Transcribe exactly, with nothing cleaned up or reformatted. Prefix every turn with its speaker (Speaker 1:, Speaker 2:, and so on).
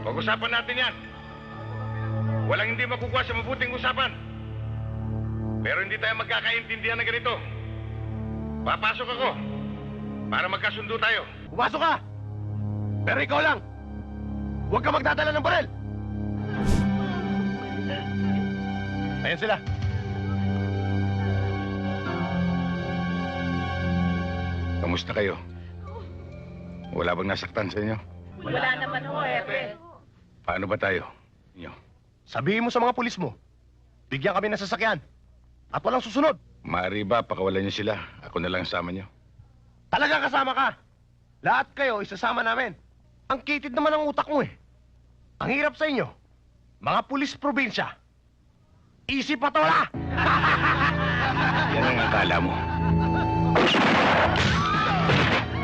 Speaker 1: Pag-usapan natin yan. Walang hindi makukuha sa mabuting usapan. Pero hindi tayo magkakaintindihan na ganito. Papasok ako para magkasundo tayo.
Speaker 2: Pumasok ka! Pero ikaw lang! Huwag ka magdadala ng barel! Ayan sila.
Speaker 1: Kamusta kayo? Wala bang nasaktan sa inyo?
Speaker 3: Wala naman ho, Epe.
Speaker 1: Paano ba tayo? Inyo?
Speaker 2: Sabihin mo sa mga pulis mo, bigyan kami ng sasakyan. At walang susunod.
Speaker 1: Maaari ba pakawalan niyo sila? Ako na lang sama niyo.
Speaker 2: Talagang kasama ka. Lahat kayo isasama namin. Ang kitid naman ang utak mo eh. Ang hirap sa inyo, mga pulis probinsya. Isip patola!
Speaker 1: Yan ang akala mo.